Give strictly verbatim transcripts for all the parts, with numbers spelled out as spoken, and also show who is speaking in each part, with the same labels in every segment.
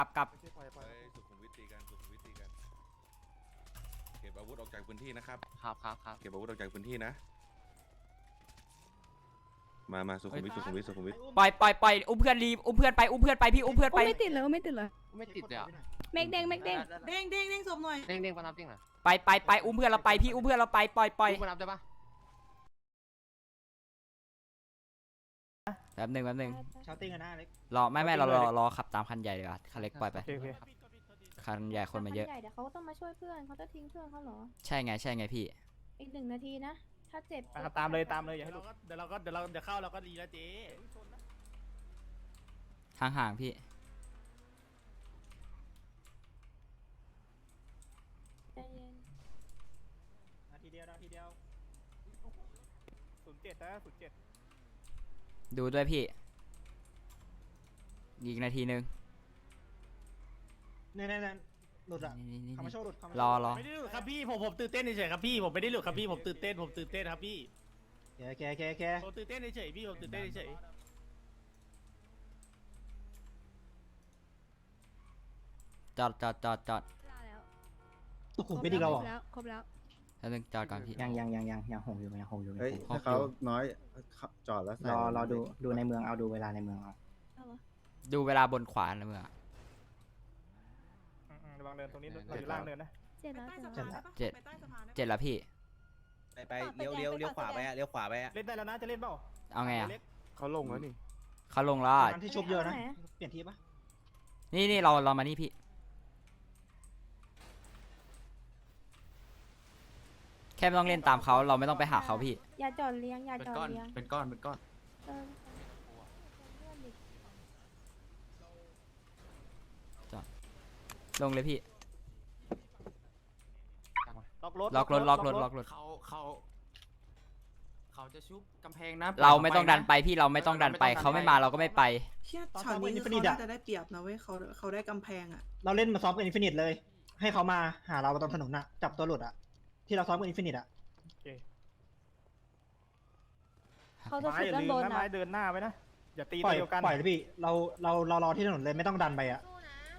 Speaker 1: ลับกลับ
Speaker 2: สุขุมวิทตีกันสุขุมวิทตีกันเก็บอาวุธออกจากพื้นที่นะครับครับครับครับเก็บอาวุธออกจากพื้นที่นะมามาสุขุมวิทสุขุมวิทสุขุมวิท
Speaker 1: ปล่อยปล่อยปล่อยอุ้มเพื่อนรีอุ้มเพื่อนไปอุ้มเพื่อนไปพี่อุ้มเพื่อนไป
Speaker 3: ไม่ติดเลยไม่ติดเลย
Speaker 4: ไม่ติดเลยอ่ะ
Speaker 3: เมกเด้งเมกเด้ง
Speaker 5: เด้งเด้งเด้งศพหน่อย
Speaker 4: เด้งเด้งปนับจริงเหรอ
Speaker 1: ไปไปไปอุ้มเพื่อนเราไปพี่อุ้มเพื่อนเราไปปล่อยปล่อย
Speaker 4: ปนับได้ปะ
Speaker 1: แป๊บหนึ่งแป๊บหนึ่ง
Speaker 6: ชาวติ้งกันนะเล็ก
Speaker 1: รอไม่ไม่เรารอรอขับตามคันใหญ่ดีกว่าคันเล็กปล่อยไปคันใหญ่คนมาเยอะ
Speaker 3: ใหญ่เดี๋ยวเขาก็ต้องมาช่วยเพื่อนเขาจะทิ้งเพื่อนเขาเหรอ
Speaker 1: ใช่ไงใช่ไงพี่
Speaker 3: อีกหนึ่งนาทีนะถ้าเจ็บ
Speaker 6: ตามเลยตามเลยอย่าให้ลุกเดี๋ยวเราก็เดี๋ยวเราเดี๋ยวเข้าเราก็ดีแล้วเจ๊
Speaker 1: ห่างห่างพี่
Speaker 3: ใจเย็น
Speaker 6: นาทีเดียวนาทีเดียวศูนย์เจ็ดนะศูนย์เจ็ด
Speaker 1: ดูด้วยพี่อีกนาทีนึง
Speaker 6: เนี่ยเนี่ยหลุดอ่ะ
Speaker 1: นี่นี่
Speaker 6: คามาโชว์หลุด
Speaker 1: รอรอ
Speaker 6: ไม่ได้หลุดครับพี่ผมผมตื่นเต้นเฉยๆครับพี่ผมไม่ได้หลุดครับพี่ผมตื่นเต้นผมตื่นเต้นครับพี่แกแกแกแกผมตื่นเต้นเฉยๆพี่ผมตื่นเต้นเฉย
Speaker 1: จอดจอดจอดจอด
Speaker 6: สุขุมวิทอีกแล้วเหรอ
Speaker 3: แล้วครบแล้ว
Speaker 1: แป๊บนึงจอดก่อนพี่
Speaker 7: ยังยังยังยังยังหงอยู่ยังหงอยู่
Speaker 8: เฮ้ย
Speaker 1: หก
Speaker 8: ถ้าเขาน้อยจอดแล้วใส่
Speaker 7: รอรอดูดูในเมืองเอาดูเวลาในเมืองเอา
Speaker 3: เอาเหรอ
Speaker 1: ดูเวลาบนขวานะเมื่อ
Speaker 6: ระวังเดินตรงนี้เราอยู่ล่างเดินนะ
Speaker 3: เจ็ด
Speaker 5: ไป
Speaker 3: แล้ว
Speaker 5: ใต้
Speaker 3: เจ็ด
Speaker 5: สะ
Speaker 3: แล้ว
Speaker 5: พานได้ปะไปใต้สะพานได้ปะ
Speaker 1: เจ็ดแล้วพี่
Speaker 9: ไปไปเลี้ยวเลี้ยวเลี้ยวขวาไปอะเลี้ยวขวาไปอะ
Speaker 6: เล่นได้แล้วนะจะเล่นเปล่า
Speaker 1: เอาไงอ่ะ
Speaker 8: เขาลงแล้วนี่
Speaker 1: เขาลงแล้วอะ
Speaker 6: ที่ชุบเยอะนะเปลี่ยนทีปะ
Speaker 1: นี่นี่เราเรามานี่พี่แค่ไม่ต้องเล่นตามเขาเราไม่ต้องไปหาเขาพี่
Speaker 3: อย่าจอดเลี้ยงอย่าจอดเลี้ยง
Speaker 4: เป็นก้อนเป็นก้อน
Speaker 3: เออ
Speaker 1: ลงเลยพี่
Speaker 6: ล็อกรถ
Speaker 1: ล็อกรถล็อกรถล็อกรถ
Speaker 4: เขาเขาเขาจะชุบกำแพงนะ
Speaker 1: เราไม่ต้องดันไปพี่เราไม่ต้องดันไปเขาไม่มาเราก็ไม่ไป
Speaker 5: เชี่ยช็อตนี้คือเขาน่าจะได้เปรียบนะเว้ยเขาเขาได้กำแพงอ่ะ
Speaker 6: เราเล่นมาซ้อมกับอินฟินิตเลย ให้เขามาหาเราตรงถนนน่ะจับตัวหลุดอ่ะที่เราซ้อมกับอินฟินิตอ่ะ
Speaker 3: เขาจะฉุดด้านบนนะ
Speaker 6: เดินหน้าไว้นะอย่าตีตัวเดียวกันปล่อยเลยพี่เราเราเรารอที่ถนนเลยไม่ต้องดันไปอ่ะ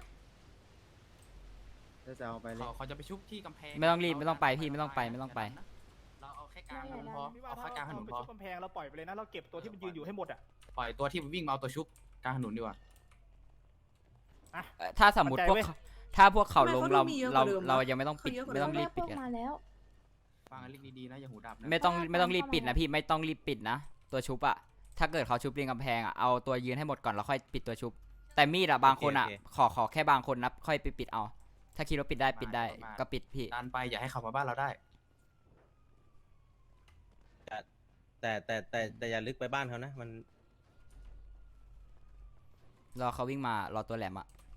Speaker 8: ถ้าจะเอาไปเลย
Speaker 4: เขาเขาจะไปชุบที่กำแพง
Speaker 1: ไม่ต้องรีบไม่ต้องไปพี่ไม่ต้องไปไม่ต้องไป
Speaker 4: เราเอาแค่กลางถนนพอเอาแค่กลางถนนพอ
Speaker 6: กำแพงเราปล่อยไปเลยนะเราเก็บตัวที่มันยืนอยู่ให้หมดอ่ะ
Speaker 4: ปล่อยตัวที่วิ่งมาเอาตัวชุบกลางถนนดีกว่า
Speaker 1: เอ่อถ้าสมมติพวกเขาถ้าพวกเขาลงเราเราเรายังไม่ต้องปิดไม่ต้องรีบปิด
Speaker 3: พวก
Speaker 1: กัน
Speaker 3: มาแล้ว
Speaker 4: ฟังกันดีๆนะอย่าหูดับนะ
Speaker 1: ไม่ต้องไม่ต้องรีบปิดนะพี่ไม่ต้องรีบปิดนะตัวชุบอะถ้าเกิดเขาชุบเรียงกำแพงอะเอาตัวยืนให้หมดก่อนแล้วค่อยปิดตัวชุบ แต่มีดอะบางคนอะขอขอแค่บางคนนะค่อยไปปิดเอา ถ้าคิดว่าปิดได้ปิดได้ก็ปิดพี่
Speaker 4: ดันไปอย่าให้เขามาบ้านเราได้
Speaker 9: แต่แต่แต่แต่อย่าลึกไปบ้านเขานะมัน
Speaker 1: รอเขาวิ่งมารอตัวแหลมอะ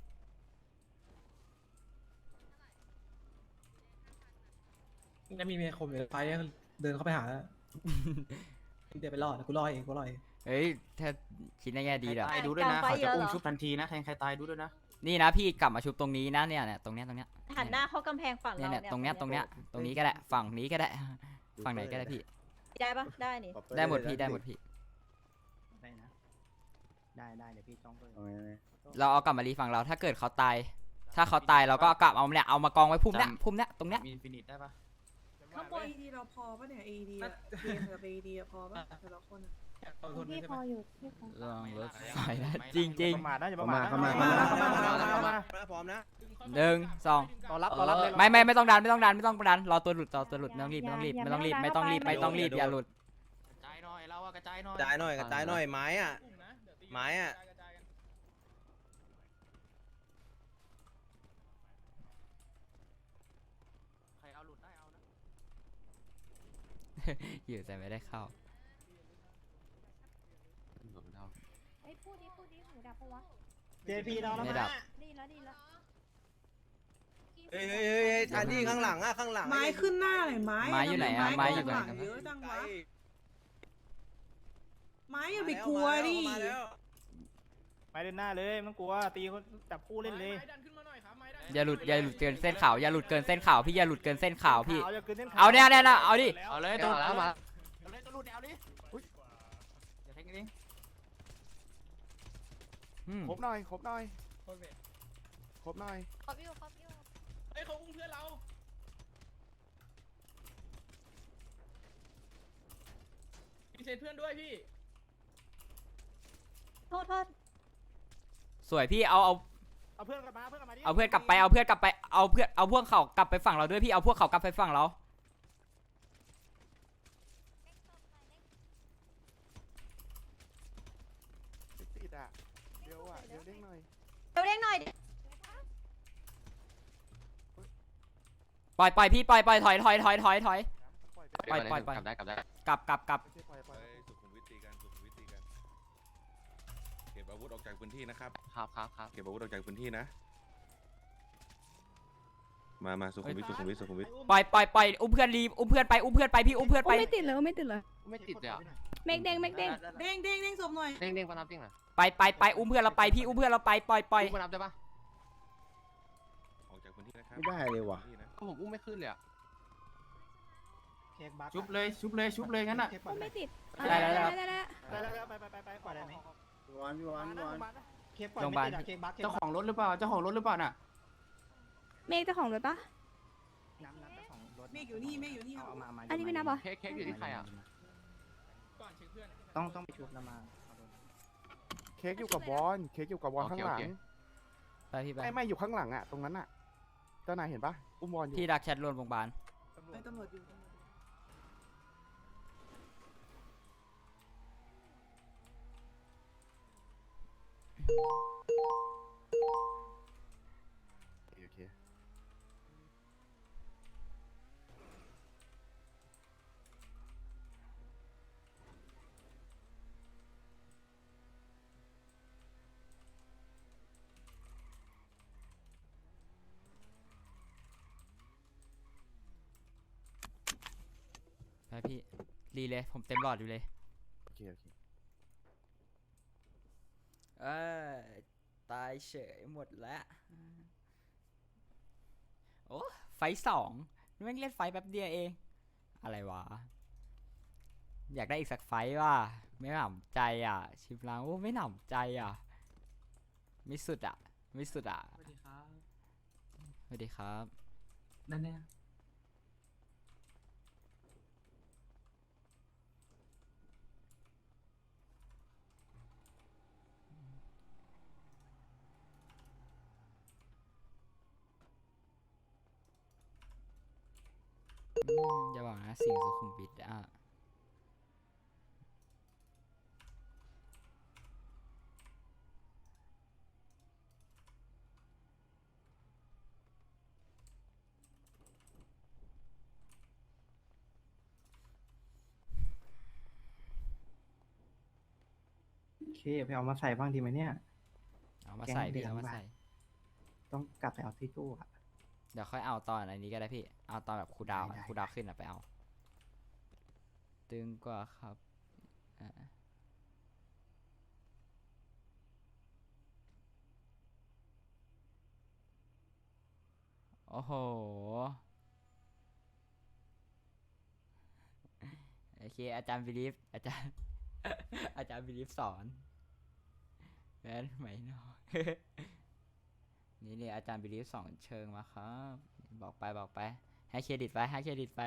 Speaker 10: แล้วมีเมียคมอยู่ไฟเดินเข้าไปหาแล้ว เดี๋ยวไปรอดกูรอเองกูรอเอง
Speaker 1: เฮ้ยถ้าคิดในแง่ดีเหรอ
Speaker 4: ตายดูด้วยนะเขาจะอุ้มชุบทันทีนะแทงใครตายดูด้วยนะ
Speaker 1: นี่นะพี่กลับมาชุบตรงนี้นะเนี่ยเนี่ยตรงเนี้ยตรงเนี้ย
Speaker 3: หันหน้าเข้ากำแพงฝั่ง
Speaker 1: เนี่ย
Speaker 3: เรา
Speaker 1: เนี่ยตรงเนี้ยตรงเนี้ยตรงนี้ก็ได้ฝั่งนี้ก็ได้ฝั่งไหนก็ได้พี่
Speaker 3: ได้ปะได้นี่
Speaker 1: ได้หมดพี่ได้หมดพี่
Speaker 7: ได้นะได้ได้เดี๋ยวพี่จ้องเพิ่ม
Speaker 8: เอาไง
Speaker 1: เราเอากลับมารีฝั่งเราถ้าเกิดเขาตาย ถ้าเขาตายเราก็เอากลับเอาเนี่ยเอามากองไว้พุ่มเนี้ยพุ่มเนี้ยตรงเนี้ย
Speaker 4: มีฟินิชได้ปะ
Speaker 5: ข้างบน เอ ดี เราพอปะเนี่ย เอ ดี อะเกมกับ เอ ดี อะพอปะแต่ละคนอะ
Speaker 10: เอาทน
Speaker 3: พี่
Speaker 10: ใช่
Speaker 3: พ
Speaker 10: ไหม
Speaker 3: ออยู่พี่พอ
Speaker 1: ลองรถไฟนะจริงจริง
Speaker 6: ประมาทนะอย่าประ
Speaker 8: เข้า
Speaker 6: มา
Speaker 8: มา
Speaker 6: ท
Speaker 8: เข้ามา
Speaker 6: นะ
Speaker 8: เข้ามา
Speaker 6: เข้ามาเข้ามา
Speaker 9: พร้อมนะ
Speaker 1: หนึ่งสอง
Speaker 6: รอรับรอรับเลย
Speaker 1: ไม่ไม่ไม่ต้องดันไม่ต้องดันไม่ต้องดันรอตัวหลุดรอตัวหลุดไม่ต้องรีบไม่ต้องรีบไม่ต้องรีบไม่ต้องรีบไม่ต้องรีบอย่าหลุด
Speaker 4: กระจายหน่อยเราอะกระจายหน่อย
Speaker 9: กระจายหน่อยกระจายหน่อยไม้อะไม้อะ
Speaker 4: ใครเอาหลุดได้เอานะ
Speaker 1: อยู่แต่ไม่ได้เข้า
Speaker 3: ไอ้พูดดิพูดดิหูดับปะวะ
Speaker 6: เจพีเราแล้ว
Speaker 1: ไม่
Speaker 6: นะ
Speaker 1: ดับ
Speaker 3: ดีแล้วดีแล้ว
Speaker 9: เฮ้ยเฮ้ยเฮ้ยเฮ้ยทันที่ข้างหลังอะข้างหลัง
Speaker 5: ไม้ขึ้นหน้าหน่อยไม้
Speaker 1: ไม้อยู่ไหนอะไม้อยู่ไหน
Speaker 5: ข้างลังเยอะจัง
Speaker 9: ไกล
Speaker 5: วะไม้อย่าไปกลัวดิ
Speaker 9: มาแล้ว
Speaker 6: ไปเล่นหน้าเลยไม่ต้องกลัวตีคนจับคู่เล่นเลย
Speaker 1: อย่าหลุดอย่าหลุดเกินเส้นขาวอย่าหลุดเกินเส้นขาวพี่อย่าหลุดเกินเส้นขาวพี่
Speaker 6: อย่ากินส้นขว
Speaker 1: เอาเนี่ยเนี่ยนะเอาดิ
Speaker 4: เอาเลยตัวแล้วมาเอาเลยตัวหลุดเอาดิอุ้ยอย่าแทงกันเอง
Speaker 1: อืม
Speaker 8: ครบหน่อยครบหน่อยครบหน่อย
Speaker 3: ขอบอยู่ขอบอยู่
Speaker 6: เฮ้ยเขาอุ้มเพื่อนเราพี่เซนเพื่อนด้วยพี่
Speaker 3: โทษโทษ
Speaker 1: สวยพี่เอาเอา
Speaker 6: เอาเพื่อนกลับมาเพื่อนกลับมาดิ
Speaker 1: เอาเพื่อนกลับไปเอาเพื่อนกลับไปเอาเพื่อนเอาพวกเขากลับไปฝั่งเราด้วยพี่เอาพวกเขากลับไปฝั่งเรา
Speaker 8: ติดอ่ะเดี๋ยวอ่ะเดี๋ยวเด้งหน่อย
Speaker 3: เดี๋ยวเรียกหน่อย
Speaker 1: ปล่อยปล่อยพี่ปล่อยปล่อยถอยถอยถอยถอยถอย
Speaker 8: ปล่อยไป
Speaker 1: ปล่อยปล่อยปล่อย
Speaker 4: กลับได้กลับได้
Speaker 1: กลับกลับกลับ
Speaker 8: ไม่ใช่ปล่อยปล่อย
Speaker 2: เฮ้ยสุขุมวิทตีกันสุขุมวิทตีกันเก็บอาวุธออกจากพื้นที่นะครับ
Speaker 4: ครับครับครับ
Speaker 2: เก็บอาวุธออกจากพื้นที่นะ มามาสุขุมวิทสุขุมวิทสุขุมวิท
Speaker 1: ปล่อยปล่อยปล่อยอุ้มเพื่อนรีบอุ้มเพื่อนไปอุ้มเพื่อนไปพี่อุ้มเพื่อนไป
Speaker 3: ไม่ติดเลยไม่ติดเลย
Speaker 4: ไม่ติดเลยอ่ะ
Speaker 3: เมกเด้งเมกเด้ง
Speaker 5: เด้งเด้งเด้งศพหน่อย
Speaker 4: เด้งเด้งปะนับเด้งหน่อย
Speaker 1: ไปไปไปอุ้มเพื่อนเราไปพี่อุ้มเพื่อนเราไปปล่อยปล่อย
Speaker 4: อุ้มปะนับได้ปะ
Speaker 2: ออกจากพื้นที่นะครับ
Speaker 8: ไม่ได้เลยว่ะ
Speaker 2: พื้นที่น
Speaker 4: ก็ผมอุ้มไม่ขึ้นเลยอ่ะ
Speaker 7: เค้กบัค
Speaker 6: ชุบเลยชุบเลยชุบเลยงั้นอ่ะ
Speaker 7: เค้กบัค
Speaker 3: ไม่ติด
Speaker 1: ได้แล้ว
Speaker 3: ได้ได้
Speaker 6: ไปแล้วไปไปไปไปปล่อยได้ไหม
Speaker 8: พี่วานพี่วานพี่วาน
Speaker 7: เค้กปล่อยไม่ติดอะเค้กบัคเค้ก
Speaker 6: เจ้า
Speaker 7: บัค
Speaker 6: ของรถหรือเปล่าเจ้าของรถหรือเปล่าน่ะ
Speaker 3: เมกเจ้าของรถปะ
Speaker 7: น้ำน้ำเจ้าของรถ
Speaker 5: เมฆอยู่นี่เมฆอยู่นี่
Speaker 7: เอาเอามามา
Speaker 3: อันนี้ไม่นับเหรอ
Speaker 4: เค้กเค้กอยู่ที่ใครอ่ะ
Speaker 6: ก่อนเช็คเพื่อน
Speaker 7: ต้องต้องไปชุบแล้วมาเอารถ
Speaker 8: เค้กอยู่กับบอลเค้กอยู่กับบอลข้างหลัง
Speaker 1: ไปพี่ไป
Speaker 8: ไม่ไม่อยู่ข้างหลังอ่ะตรงนั้นอ่ะเจ้านายเห็นปะอุ้มบอลอยู่
Speaker 1: พี่ดักแชทรวมโรงพยาบาล
Speaker 5: ไอ้ตำรวจอยู่
Speaker 8: โอเค
Speaker 1: ไปพี่รีเลยผมเต็มหลอดอยู่เลย
Speaker 8: โอเคโอเค
Speaker 1: เออตายเฉยหมดแล้วโอ้ไฟท์สองแม่งเล่นไฟท์แป๊บเดียวเอง อะไรวะ อยากได้อีกสักไฟท์ว่ะไม่หนำใจอ่ะ ชิปล้างโอ้ไม่หนำใจอ่ะ ไม่สุดอ่ะ ไม่สุดอ่ะ
Speaker 10: สวัสดีครับ
Speaker 1: สวัสดีครับ
Speaker 10: นั่นเนี่ย
Speaker 1: อืมอย่าบอกนะสิ่งสุขุมวิทอ่ะ
Speaker 7: โอเคไปเอามาใส่บ้างดีไหมเนี่ย
Speaker 1: เอามาใส่
Speaker 7: แกงเหลื
Speaker 1: พี่
Speaker 7: อง
Speaker 1: เอามา
Speaker 7: ว่ะ
Speaker 1: ใส่
Speaker 7: ต้องกลับไปเอาที่ตู้อะ
Speaker 1: เดี๋ยวค่อยเอาตอนอันนี้ก็ได้พี่ เอาตอนแบบครูดาวอะ
Speaker 7: ได้ได้
Speaker 1: ครูดาวขึ้นอะไปเอา ตึงกว่าครับอ่าโอ้โห โอเค อาจารย์บิลีฟอาจารย์ อาจารย์บิลีฟสอนแม่นไหมเนาะ นี่นี่อาจารย์บิลีฟสอนเชิงมาครับ บอกไปบอกไป ให้เครดิตไปให้เครดิตไป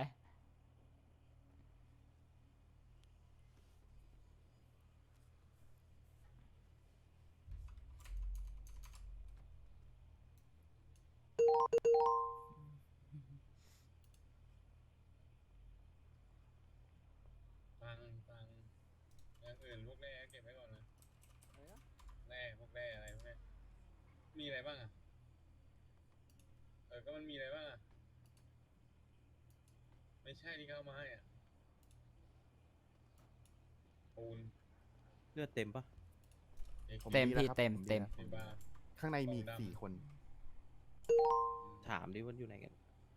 Speaker 11: ฟังฟังอย่างอื่นพวกแร่เก็บไว้ก่อนนะแร่พวกแร่อะไรพวกนี้มีอะไรบ้างอ่ะเออก็มันมีอะไรบ้างอ่ะไม่ใช่ที่เขาเอามาให้อ่ะปูน
Speaker 9: เลือดเต็มปะ
Speaker 11: เอก
Speaker 8: ผม
Speaker 1: เต็ม
Speaker 8: ดีแล้ว
Speaker 1: พี่
Speaker 8: ครับ
Speaker 1: เต็ม
Speaker 8: ผดี
Speaker 1: เต็ม
Speaker 8: แล้ว
Speaker 11: เห็นป่ะ
Speaker 8: ข้างในมีอีก
Speaker 11: ของดำ
Speaker 8: สี่คน
Speaker 9: ถามดิว่าอยู่ไหนกัน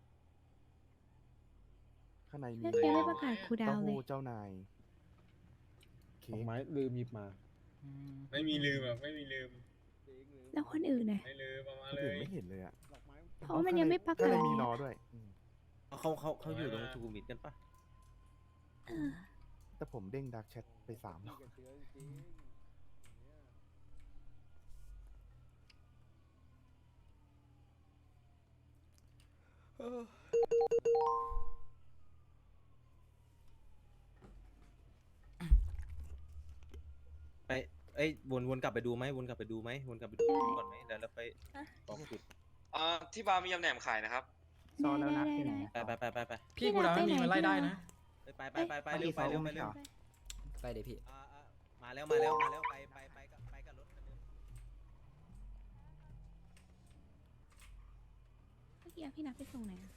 Speaker 8: ข้างในมี
Speaker 3: เรียกเรียกประกาศครูดา
Speaker 8: เต้าว
Speaker 3: เลย
Speaker 8: หู้เจ้านายเค้ก
Speaker 9: ไม้ลืมหยิบมา
Speaker 1: อืม
Speaker 11: ไม่มีลืมอ่ะไม่มีลืม
Speaker 3: แล้วคนอื่นน่ะ
Speaker 11: ไม่ลืมประมา
Speaker 8: ค
Speaker 11: ณ
Speaker 8: น
Speaker 11: เล
Speaker 8: อื่น
Speaker 11: ย
Speaker 8: ไม่เห็นเลยอ่ะ
Speaker 3: เพราะว่ามันยังไม่ประ
Speaker 8: ก็
Speaker 3: กา
Speaker 8: เล
Speaker 3: ศ
Speaker 8: ยมี
Speaker 3: ไง
Speaker 8: รอด้วยอืม
Speaker 9: เขาเขาเขาอยู่ตรงสุขุมวิทกันปะ
Speaker 3: เออ
Speaker 8: แต่ผมเด้งดักแชทไปสามรอบ
Speaker 1: อ
Speaker 9: ไปเอ้ยวนวนกลับไปดูไหมวนกลับไปดูไหมวนกลับไปดูก่อนไหมเดี๋ยวเราไปบอกจุด
Speaker 11: อ่าที่บาร์มียำแหนมขายนะครับ
Speaker 7: ซอนแล้วนะที่ไหน
Speaker 9: ไปไปไปไปไป
Speaker 10: พี่กูดาวไม่มีมันไล่ได้นะ
Speaker 9: ไปไปไปไปเร็วไปเร็วไปเร็ว
Speaker 1: ไปเดี๋ยวพี่
Speaker 9: อ่าอ่ามาแล้วมาแล้วมาแล้วไปไปไปกับไปกับรถคันนึง
Speaker 3: เมื่อกี้พี่นัดไปส่งไหนอะ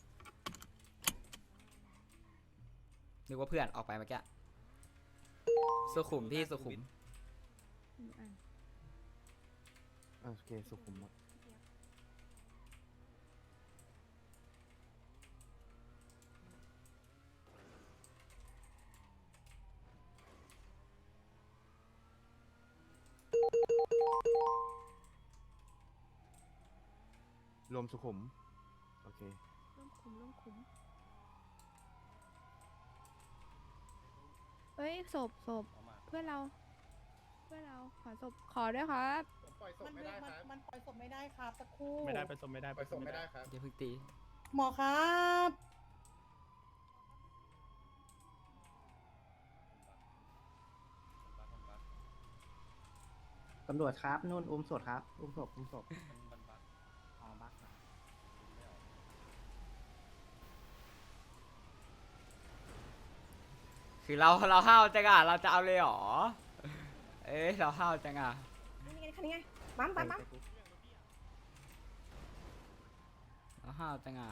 Speaker 1: นึกว่าเพื่อนออกไปเมื่อกี้สุขุมพี่สุขุม
Speaker 3: อืมอ่ะ
Speaker 8: โอเคสุขุมหมดรวมสุขุม โอเค
Speaker 3: ร่วมคุ้มร่วมคุ้มเฮ้ยศพศพเพื่อนเรา เพื่อนเราขอศพขอด้วยครับ
Speaker 5: มันไม่ได้ครับมันปล่อยศพไม่ได้ครับสักครู่
Speaker 6: ไม่ได้ไปสมไม่ได้ไปสมไม่ได้
Speaker 1: เดี๋ยวเพิ่งตี
Speaker 5: หมอครับ
Speaker 7: ตำรวจครับนู่นอุ้มศพครับอุ้มศพอุ้มศพอ๋อบัก
Speaker 1: คือเราเราห้าวจังอ่ะเราจะเอาเลยเหรอ เอ้ยเราห้าวจังอ่ะ
Speaker 5: นี่ไงคันนี้ไงปั๊มปั๊มปั๊ม
Speaker 1: เราห้าวจังอ่ะ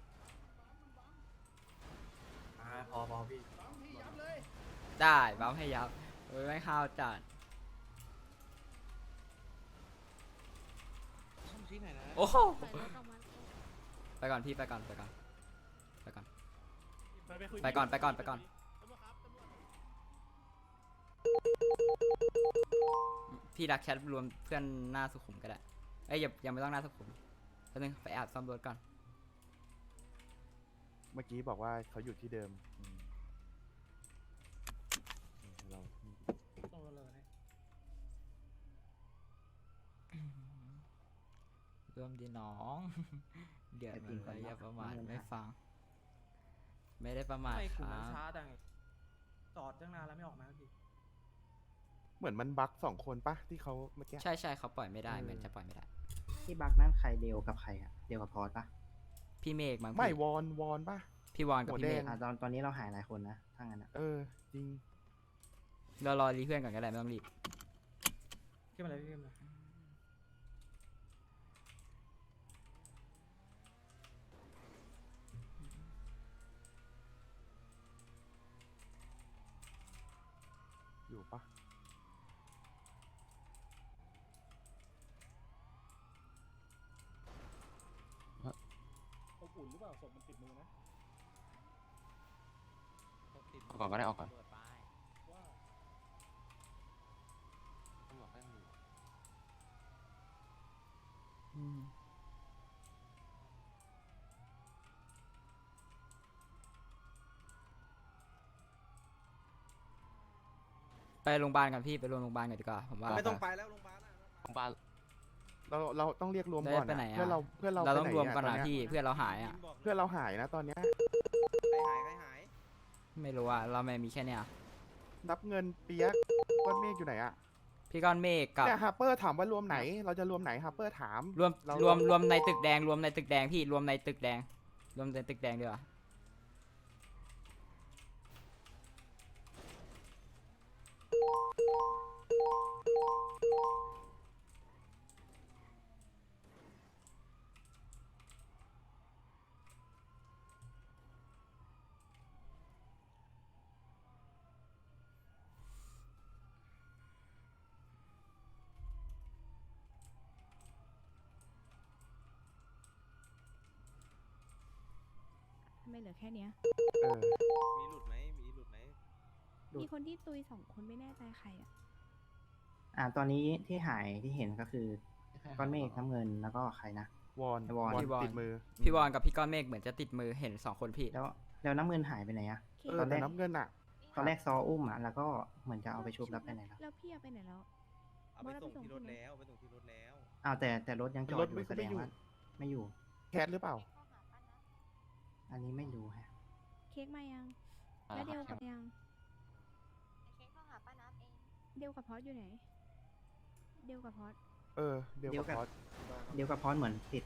Speaker 10: พอพอพี่
Speaker 1: ได้บัฟให้ยับเอ้ยไม่ห้าวจัด
Speaker 9: ช่องชี้ไหนนะ
Speaker 1: โอ้โหไปก่อนพี่ไปก่อนไปก่อนไปก่อน ไปก่อนไปก่อนไปก่อน พี่ดักแชทรวมเพื่อนหน้าสุขุมก็ได้เอ้ยอย่ายังไม่ต้องหน้าสุขุมแป๊บนึงไปแอบซ่อมรถก่อน
Speaker 8: เมื่อกี้บอกว่าเขาอยู่ที่เดิมอืมเรา
Speaker 1: รวมดีน้อง เดี๋ยวมันไปอย่าประมาทไม่ฟัง ไม่ได้ประมาท
Speaker 10: ไม่
Speaker 1: ค
Speaker 10: กู
Speaker 1: รั
Speaker 10: มัน
Speaker 1: บ
Speaker 10: ช้าจังจอดตั้งนานแล้วไม่ออกมาสักที
Speaker 8: เหมือนมันบั๊กสองคนปะที่เขาเมื่อกี้
Speaker 1: ใช่ใช่เขาปล่อยไม่ได้
Speaker 8: เออ
Speaker 1: เหมือนจะปล่อยไม่ได้
Speaker 7: ที่บักนั่นใครเดียวกับใครอะเดียวกับพอสปะ
Speaker 1: พี่เมฆมั้ง
Speaker 8: ไม่
Speaker 1: พี่
Speaker 8: วอนวอนปะ
Speaker 1: พี่วอนกับ
Speaker 8: หัว
Speaker 1: พี่เมฆ
Speaker 8: แดง
Speaker 7: อ่ะตอนตอนนี้เราหายหลายคนนะถ้างั้นอะ
Speaker 8: เออ จริง
Speaker 1: เรารอรีเพื่อนก่อนก็ได้ไม่ต้องรีบ
Speaker 10: ขึ้นมาเลยพี่ขึ้นมา
Speaker 8: อยู่ปะ
Speaker 6: อบอุ่นหรือเปล่าศพมันติดมือนะ
Speaker 2: ออกก่อนก็ได้ออกก่อน
Speaker 1: อืมไปโรงพยาบาลกันพี่ไปโรงพยาบาลกันดีกว่าผมว่า
Speaker 9: ไม่ต้องไปแล้วโรงพยาบาลอะ
Speaker 2: โรงพยาบาล
Speaker 8: เราเราต้องเรียกรวม
Speaker 1: แล้ว
Speaker 8: ก่อน
Speaker 1: ไปไหน
Speaker 8: อะ
Speaker 1: อะ
Speaker 8: เพื่อนเราเพื่อนเรา
Speaker 1: เรา
Speaker 8: ไป
Speaker 1: ต้อง
Speaker 8: ไห
Speaker 1: รวมกัน
Speaker 8: ต
Speaker 1: นะ
Speaker 8: เย
Speaker 1: พี่เพื่อนเราหายอ่ะ
Speaker 8: เพื่อนเราหายนะตอนเนี้ย
Speaker 9: ใครหายใครหาย
Speaker 1: ไม่รู้อ่ะเราไม่มีแค่เนี้ย
Speaker 8: นับเงินเปียกก้อนเมฆอยู่ไหนอะ
Speaker 1: พี่ก้อนเมฆกับ
Speaker 8: เนี่ยฮาร์เปอร์ถามว่ารวมไหน เราจะรวมไหนฮาร์เปอร์ถาม
Speaker 1: รวม
Speaker 8: เรา
Speaker 1: รวมรวมในตึกแดงรวมในตึกแดงพี่รวมในตึกแดง รวมในตึกแดงดีกว่า
Speaker 3: ทำไมเหลือแค่เนี้ย
Speaker 8: เออ
Speaker 9: มีหลุดไหมมีหลุดไหม
Speaker 3: มีคนที่ตุยสองคนไม่แน่ใจใครอ่ะ
Speaker 7: อ่าตอนนี้ที่หายที่เห็นก็คือก้อนเมฆน้ำเงินแล้วก็ใครนะ
Speaker 8: วอน
Speaker 7: วอน
Speaker 1: พี่วอน
Speaker 8: ติดมือ
Speaker 1: พี่วอนกับพี่ก้อนเมฆเหมือนจะติดมือเห็นสองคนพี่
Speaker 7: แล้วแล้วน้ำเงินหายไปไหนอะ
Speaker 8: เออแต่น้ำเงินอะ
Speaker 7: ตอนแรกซออุ้มอะแล้วก็เหมือนจะเอาไปชุบแล้วไปไหนแล้ว
Speaker 3: แล้วพี่เอาไปไหนแล้ว
Speaker 9: เอาไปส่งที่รถแล้วไปส่งที่รถแล้ว
Speaker 7: อ้าวแต่แต่รถยังจอ
Speaker 8: ร
Speaker 7: ด
Speaker 8: ถ
Speaker 7: อ
Speaker 8: ไม่
Speaker 7: ยู่แส
Speaker 8: ไม่
Speaker 7: ดง
Speaker 8: อยู่
Speaker 7: ว่าไม่อยู่
Speaker 8: แคทหรือเปล่า
Speaker 7: อันนี้ไม่รู้ฮะ
Speaker 3: เค้กมายัง แล้วเดียวกับยัง
Speaker 12: เค้กเข้าหาป้านับเอง
Speaker 3: เดียวกับพอดอยู่ไหน เดียวกับพอด
Speaker 8: เออ เดี๋ยว
Speaker 7: เดี๋ยว
Speaker 8: กับ
Speaker 7: กับ
Speaker 8: พอด
Speaker 7: เดี๋ยวกับพอดเหมือนติด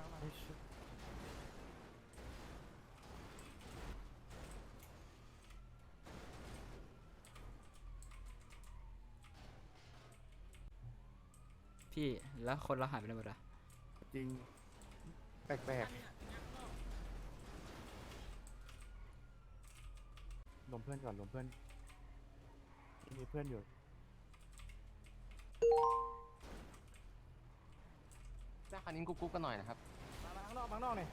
Speaker 1: พี่แล้วคนเราหายไปไหนหมดอะ
Speaker 8: จริง แปลกๆรวมเพื่อนก่อนรวมเพื่อน มีเพื่อนอยู่
Speaker 9: ได้คันนี้กุ๊กกุ๊กกันหน่อยนะครับ
Speaker 6: มาข้างนอกมาข้างนอกหน่อย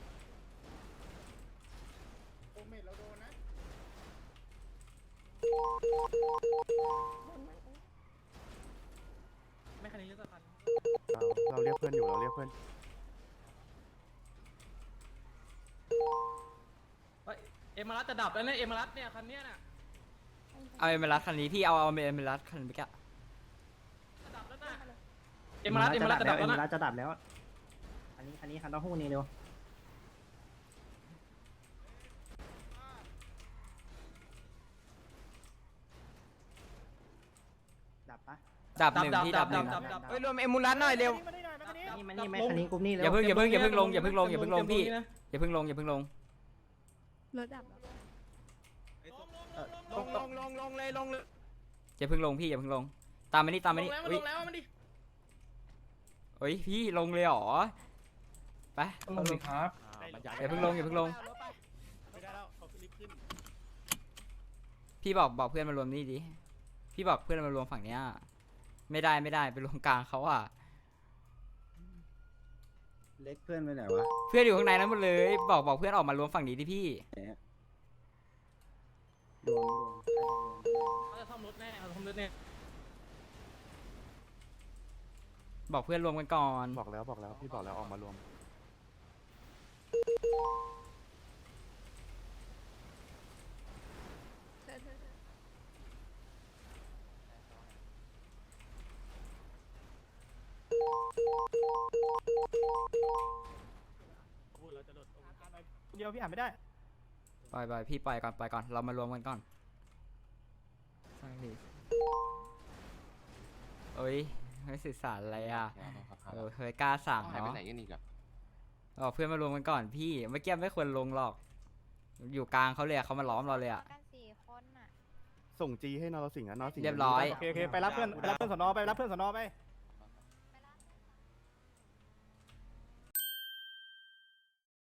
Speaker 10: ไม่คันนี้เลือกคัน
Speaker 8: เราเราเรียกเพื่อนอยู่เราเรียกเพื่อน
Speaker 10: เฮ้ยเอมรัสจะดับแล้วเนี่ยเอมรัสเนี่ยคันเนี้ยน่ะ
Speaker 1: เอาเอเมรัสคันนี้พี่เอาเอาเอเมรัสคันเมื่อกี้
Speaker 10: จะดับแล้วน่ะเอมรัสเอมรัสจะดับแล้ว
Speaker 7: เอ็ม
Speaker 10: นะ
Speaker 7: รัสจะดับแล้ว อันนี้คันนี้คันเต้าหู้นี่เร็ว ดับปะ
Speaker 1: ดับหนึ่งพี่ดับหนึ่ง
Speaker 10: ดับดับ
Speaker 1: เฮ้ยรวมเอมูลัสหน่อยเร็ว
Speaker 6: มานี่หน่อยมานี่
Speaker 7: นี่มานี่มาคันนี้กรุ๊ปนี่เร็ว
Speaker 1: อย่าเพิ่งอย่าเพิ่งอย่าเพิ่งลงอย่าเพิ่งลงอย่าเพิ่งลงอย่าเพิ่งลงพี่อย่าเพิ่งลงอย่าเพิ่งลง
Speaker 3: รถดับแล้ว
Speaker 6: ลงลงลงลงเลยลงเลย
Speaker 1: อย่าเพิ่งลงพี่อย่าเพิ่งลง ตามมานี่ตามมานี่
Speaker 10: ล
Speaker 1: อุ้ย
Speaker 10: งแล้วมันดิ
Speaker 1: เฮ้ยพี่ลงเลยเหรอไป
Speaker 10: ลงสิครับ
Speaker 1: อย่าเพิ่งลงอย่าเพิ่งลง
Speaker 6: ไม่ได้แล้วเขารีบขึ้น
Speaker 1: พี่บอกบอกเพื่อนมารวมนี่ดิพี่บอกเพื่อนมารวมฝั่งเนี้ยไม่ได้ไม่ได้ไปรวมกลางเขาอ่ะ
Speaker 7: เล็กเพื่อนไปไหนวะ
Speaker 1: เพื่อนอยู่ข้างในนั้นหมดเลย บอกบอกเพื่อนออกมารวมฝั่งนี้ดิพี่
Speaker 7: รวมรวม
Speaker 10: เขาจะซ่อมรถแน่เขาซ่อมรถแน่
Speaker 1: บอกเพื่อนรวมกันก่อน
Speaker 8: บอกแล้วบอกแล้วพี่บอกแล้วออกมารวม
Speaker 6: พูดเราจะหลุดเดียวพี่อ่านไม่ได้
Speaker 1: ปล่อยปล่อยพี่ปล่อยก่อนปล่อยก่อนเรามารวมกันก่อนสร้างดิเอ้ยไม่สื่อสารอะไรอ่ะเออเคยกล้าสั่ง
Speaker 9: หายไป
Speaker 1: เนาะ
Speaker 9: ไหนกันอีกอะ
Speaker 1: บอกเพื่อนมารวมกันก่อนพี่เมื่อกี้ไม่ควรลงหรอก อยู่กลางเขาเลยอะเขามาล้อมเราเลยอ่ะ
Speaker 12: กันสี่คนน่ะ
Speaker 8: ส่งจีให้นรสิงห์นะนรสิงห์
Speaker 1: เรียบร้อย
Speaker 6: โอเคโอเคไปรับเพื่อนไปรับเพื่อนสนอไปรับเพื่อนสนอไป